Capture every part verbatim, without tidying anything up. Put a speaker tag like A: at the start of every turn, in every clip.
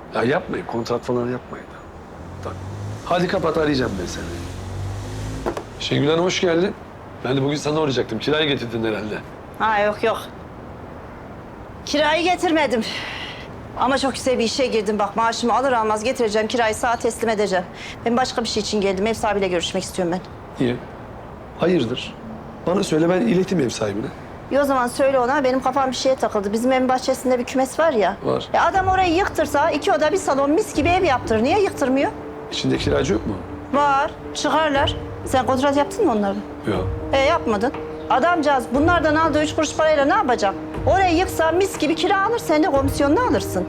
A: Ya yapmayın, kontrat falan yapmayın. Tamam. Hadi kapat, arayacağım ben seni. Şengül Hanım hoş geldin. Ben de bugün sana uğrayacaktım. Kirayı getirdin herhalde.
B: Ha yok yok. Kirayı getirmedim. Ama çok güzel bir işe girdim. Bak maaşımı alır almaz getireceğim. Kirayı sağa teslim edeceğim. Ben başka bir şey için geldim. Ev sahibiyle görüşmek istiyorum ben.
A: İyi. Hayırdır? Bana söyle, ben ileteyim ev sahibine.
B: İyi o zaman söyle ona. Benim kafam bir şeye takıldı. Bizim evin bahçesinde bir kümes var ya.
A: Var.
B: Ya adam orayı yıktırsa iki oda bir salon mis gibi ev yaptırır. Niye yıktırmıyor?
A: İçinde kiracı yok mu?
B: Var. Çıkarlar. Sen kontrat yaptın mı onlarla?
A: Yok.
B: E yapmadın. Adamcağız bunlardan aldığı üç kuruş parayla ne yapacak? Orayı yıksa mis gibi kira alır. Sen de komisyonunu alırsın.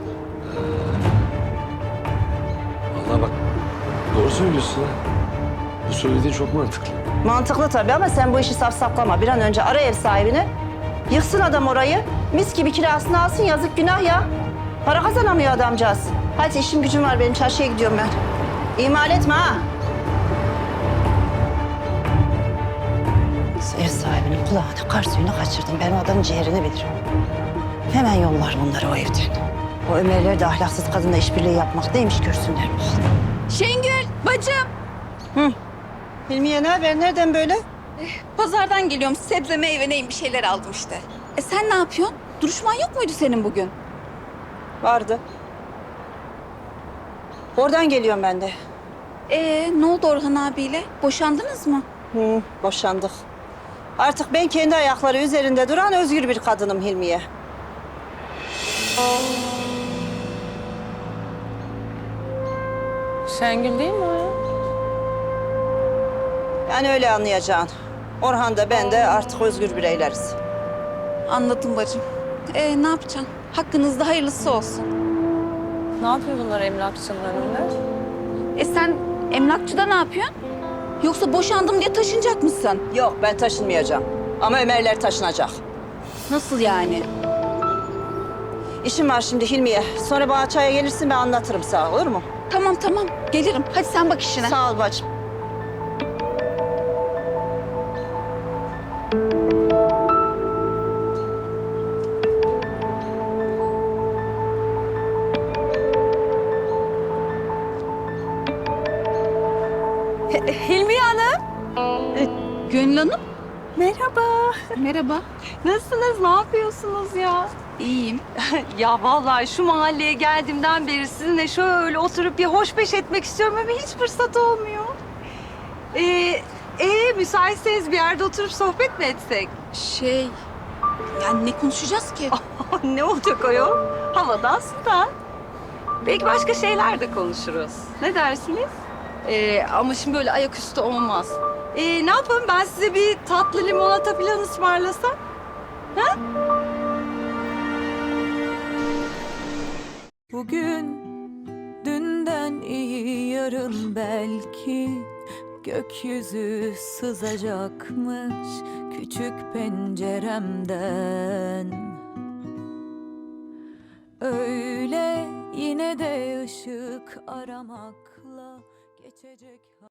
A: Vallahi bak, doğru söylüyorsun ha. Bu söylediğin çok mantıklı.
B: Mantıklı tabii ama sen bu işi safsaklama. Bir an önce ara ev sahibini. Yıksın adam orayı. Mis gibi kirasını alsın, yazık günah ya. Para kazanamıyor adamcağız. Hadi işim gücüm var benim, çarşıya gidiyorum ben. İhmal etme ha. Ev sahibinin kulağına kar suyunu kaçırdım. Ben o adamın ciğerini bilirim. Hemen yollar bunları o evden. O Ömerler de ahlaksız kadınla işbirliği yapmak neymiş görsünler.
C: Şengül, bacım.
B: Hı. Hilmiye ne haber? Nereden böyle?
C: Pazardan geliyorum. Sebze, meyve neyim bir şeyler aldım işte. E sen ne yapıyorsun? Duruşman yok muydu senin bugün?
B: Vardı. Oradan geliyorum ben de.
C: Ee, ne oldu Orhan abiyle? Boşandınız mı?
B: Hı, boşandık. Artık ben kendi ayakları üzerinde duran özgür bir kadınım Hilmiye.
D: Şengül değil mi o ya?
B: Yani öyle anlayacaksın. Orhan da ben de artık özgür bireyleriz.
C: Anladım bacım. Ee, ne yapacaksın? Hakkınızda hayırlısı olsun.
D: Ne yapıyor bunlar emlakçının önünde?
C: E sen emlakçıda ne yapıyorsun? Yoksa boşandım diye taşınacak mısın?
B: Yok ben taşınmayacağım. Ama Ömerler taşınacak.
C: Nasıl yani?
B: İşim var şimdi Hilmiye. Sonra bana çaya gelirsin ben anlatırım sana olur mu?
C: Tamam tamam gelirim. Hadi sen bak işine.
B: Sağ ol bacım.
D: Hilmiye Hanım.
C: Gönül Hanım.
D: Merhaba.
C: Merhaba.
D: Nasılsınız? Ne yapıyorsunuz ya?
C: İyiyim.
D: Ya vallahi şu mahalleye geldiğimden beri sizinle şöyle oturup bir hoşbeş etmek istiyorum ama hiç fırsat olmuyor. Ee, ee, müsaitseniz bir yerde oturup sohbet mi etsek?
C: Şey, yani ne konuşacağız ki?
D: Ne olacak o yol? Havadan sudan. Belki başka şeyler de konuşuruz. Ne dersiniz? Ee, ama şimdi böyle ayaküstü olmaz. Ee, ne yapalım ben size bir tatlı limonata falan ısmarlasam? Ha?
E: Bugün dünden iyi yarın belki gökyüzü sızacakmış küçük penceremden. Öyle yine de ışık aramakla geçecek.